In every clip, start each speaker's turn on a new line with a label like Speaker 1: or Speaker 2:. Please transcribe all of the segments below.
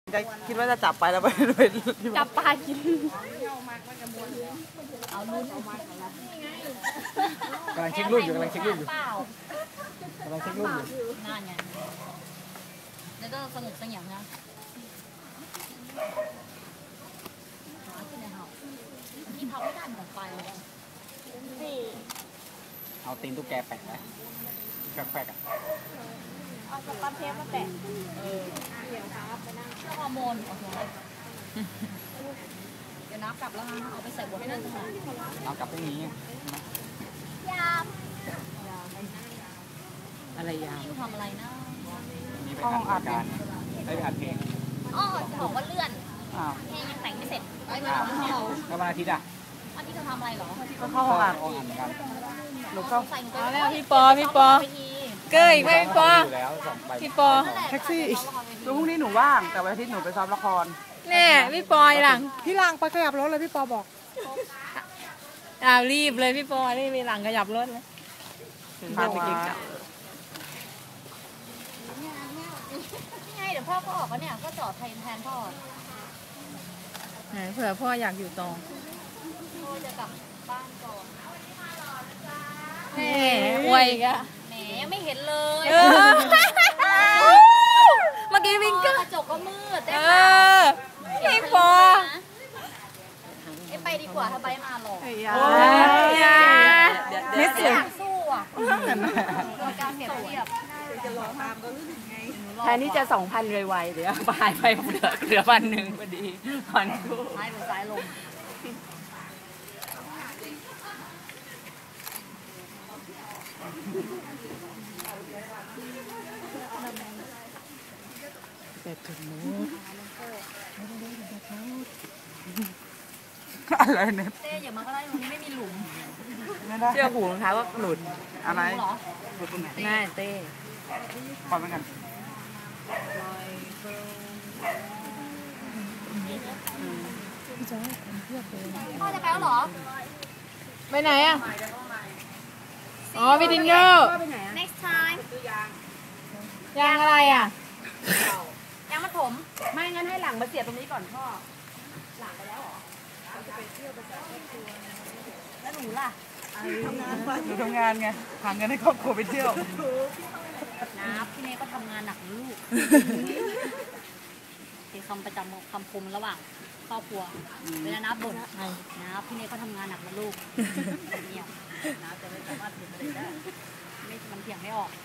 Speaker 1: คิดว่าจะจับไปแล้วไปด้วย
Speaker 2: จับปลากินเอาลุ้น
Speaker 3: กำลังเช็ครูปอยู่นั่นไง
Speaker 2: แล้วก็สงบเสงี่ยมนะที่เขาไม่ได้หมดไป
Speaker 3: เอาตีนตุ๊กแกแปะไว้แปะ
Speaker 2: เอาสปันเทปมาแปะเดี๋ยวครับไปนั่งเชื่อฮอร์โมนโอเคเดี๋ยวน้ำกลับแล้วนะเอาไปใส่บดให้นั่นค่ะ
Speaker 3: เอากลับตรงนี้
Speaker 2: ยาม
Speaker 1: อะไรยาม
Speaker 2: ที่ทำอะไรนะ
Speaker 3: นี่ไปอัดการได้ไปอัดเพลง
Speaker 2: อ๋อจะบอกว่าเลื่อนเพลงยังแต่งไม่เสร็จ
Speaker 3: แล้ววันอาทิตย์อ่ะ
Speaker 2: วันที่เธอทำอะไรหรอ
Speaker 1: ก็เข้าห้องอัด
Speaker 3: เหมือนกัน
Speaker 1: หนูเข้า
Speaker 4: แล้วพี่ปอเก้ยไม่พี่ปอ
Speaker 1: แท็กซี่พรุ่งนี้หนูว่างแต่วันอาทิตย์หนูไปซ้อมละคร
Speaker 4: แน่พี่ปอยหลัง
Speaker 1: พี่หลังไปขยับรถเลยพี่ปอบอก
Speaker 4: รีบเลยพี่ปอรีบไปหลังขยับรถเลย
Speaker 1: พาไปกินกับ
Speaker 2: นี่ไงเดี๋ยวพ่อก็ออกแล้วเนี่ยก็จอดแทนพ่อ
Speaker 4: เผื่อพ่ออยากอยู่ต่อ
Speaker 2: พ่อจะกลับบ้านก่อน
Speaker 4: แหมอวยกะ
Speaker 2: แหมยังไม่เห็นเลย
Speaker 4: เมื่อกี้วิ่งก็
Speaker 2: กระจกก็มืด
Speaker 4: พี่ปอ
Speaker 2: ไปดีกว่าถ้าไปมาหรอก
Speaker 4: ไม่เสีย
Speaker 2: สู้อ่ะการเปรียบเทียบ
Speaker 4: แทนที่จะ2,000ไวๆเดี๋ยวปลายไปเหลือ1,000พอดีผ่อนคู่
Speaker 2: ซ้ายบนซ้ายลง
Speaker 1: แต่ถึงนู้นอะไรเนี่ย
Speaker 2: เต้อย่ามาก็ได้ตรงนี้ไม่มีหลุม
Speaker 4: เชื่อหูรองเท้าก็หลุด
Speaker 1: อะไร
Speaker 2: หลุดตรงไหน
Speaker 4: ง่ายเต้
Speaker 1: ความเป็นกัน
Speaker 2: พ่อจะไปแล้วเหรอ
Speaker 4: ไปไหนอ่ะอ๋อไปดินเนอร์
Speaker 2: next time
Speaker 4: ยางอะไรอ่ะ
Speaker 2: ยางมัดผม
Speaker 1: ไม่งั้นให้หลังมาเสียบตรงนี้ก่อนพ่อ
Speaker 2: หลังไปแล้วเหรอแล้วหนูล่ะ
Speaker 1: หนูทำงานไงหาเงินให้ครอบครัวไปเที่ยว
Speaker 2: พี่เนยก็ทำงานหนักลูกเป็นคำประจำคำคมระหว่างครอบครัวเวลานับบ่นนะพี่เนยก็ทำงานหนักนะลูกเนี่ยนะจะไม่สามารถถึงอะไรได้ไม่มันเถียงไม่ออก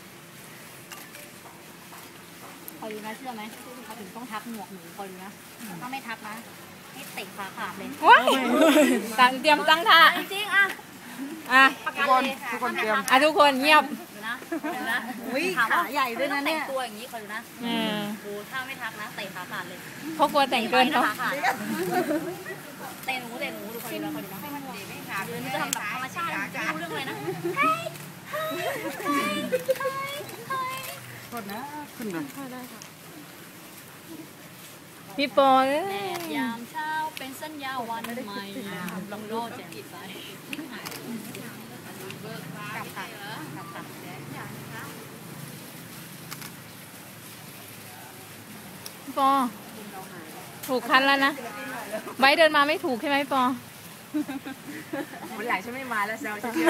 Speaker 2: คอยดูนะเชื่อไหมเขาถึงต้องทักหมวกหนูคอยดูนะถ้าไม่ทักนะให้เตะขาขาดเลย
Speaker 4: เตรียมตั้งท่า
Speaker 2: จริงๆอ่ะ
Speaker 1: ทุกคนเตรียม
Speaker 4: ทุกคนเงียบ
Speaker 2: นะขาใหญ่ด้วยนะเนี่ยตัวอย่างนี้คอยดูนะดูถ้าไม่ทักนะเตะขาขาดเลย
Speaker 4: เขากลัวแต่งเกินเขา
Speaker 2: เตะหนูดูคอยดูนะให้มันดีไม่ขาดเลยมันจะทำแบบธรรมชาติจะรู้เรื่องอะไรนะ
Speaker 1: โทษนะขึ้นเลย
Speaker 4: พี่ปอ
Speaker 2: แดดยามเช้าเป็นสัญญาวันใหม่ลองโลดแจ่มใสกลับ
Speaker 4: พี่ปอถูกคันแล้วนะใบเดินมาไม่ถูกใช่ไหมพี่ปอ
Speaker 1: วันหลังฉันไม่มาแล้วเซลจะ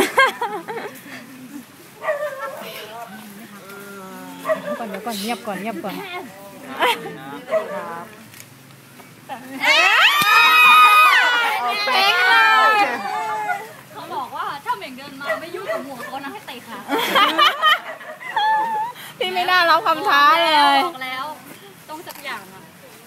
Speaker 4: เดี๋ยวก่อนเงียบก่อน
Speaker 2: เขาบอกว่าถ้าเหม่งเดินมาไม่ยุ่งกับหมวกเขานะให้เตะขา
Speaker 4: พี่ไม่น่ารับคำท้าเลย
Speaker 2: บอกแล้วต้องสักอย่างอ่ะ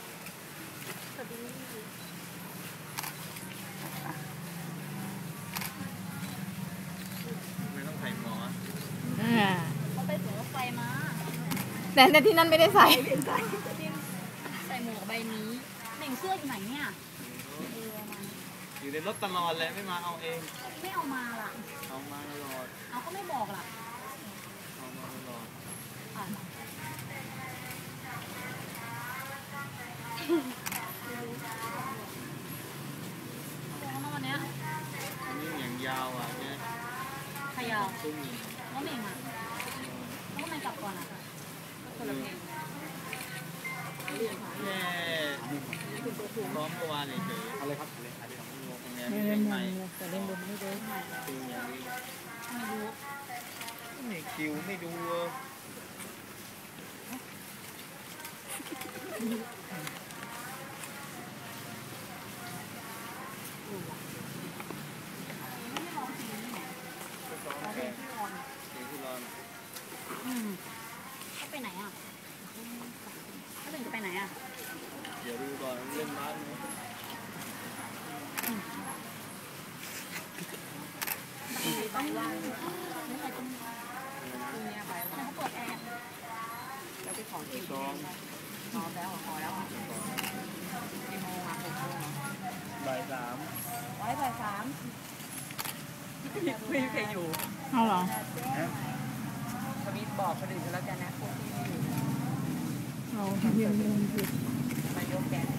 Speaker 3: ไม่ต้องใส่หมอ
Speaker 2: เขาไปสวนรถไฟมา
Speaker 4: แต่ที่นั่นไม่ได้ใส่
Speaker 2: หมวกใบนี้เหม่งเสื้ออยู่ไหนเนี่ย
Speaker 3: อยู่ในรถตลอดเลยไม่มาเอาเอง
Speaker 2: ไม่เอามาล่ะ
Speaker 3: เอามาตลอด
Speaker 2: เอาก็ไม่บอกล่ะ
Speaker 3: เอามาตลอด
Speaker 2: วันนี้
Speaker 3: อย่างยาวอ่ะเนี่ย
Speaker 2: ขยาวแล้วเหม่งอ่ะแล้วทำไมกลับก่อนอ่ะคนละเพลง
Speaker 3: ซ้อมเมื่อวานเฉยๆอะไรครับไม่เล่นมุมเลยแต่เล่นมุมไม่ได้ไม่ดูไม่คิวไม่ดูเด็กที่รอน
Speaker 2: เขาไปไหนอ่ะเขาถึงจะไปไหนอ่ะ
Speaker 3: เดี๋ยวดูก่อนเล่นบ้านไหม
Speaker 2: ต้องว่างไม่ใช่ต้องเขาเปิดแอร์
Speaker 4: แล้วไปขอคิว
Speaker 3: ซ้อม
Speaker 4: พร้อมแล้วขอแล้วกี่โมงอ่ะ6 โมง
Speaker 3: บ่ายสาม
Speaker 4: ไว้บ่าย 3ไม่มีใครอยู่
Speaker 1: เอาเหรอ
Speaker 4: ทวิตบอกคนอื่นกันแล้วกันนะพวกที่ไม่อยู่
Speaker 1: เราเรียนผิด
Speaker 4: มายกแกน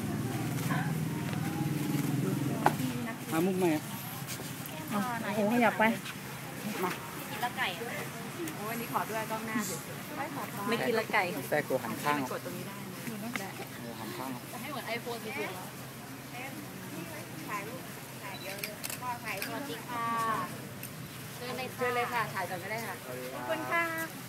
Speaker 3: มามุกไหม
Speaker 1: โอ้โหขยับไป
Speaker 2: กินแล้วไก่อะ
Speaker 4: โอ้ยนี่ขอด้วยกล้องหน้าสิไม่กินละไก่
Speaker 3: แทรกตัวหันข้าง
Speaker 4: กดตรงนี้ได้นะ
Speaker 3: หันข้าง
Speaker 2: จะให้เหมือนไอโฟนสุดๆแล้วสวัสดีค่ะเจอเลย
Speaker 4: เชิญเลยค่ะ ถ่ายก่อนก็ได้ค่ะ
Speaker 3: ขอบคุณค่ะ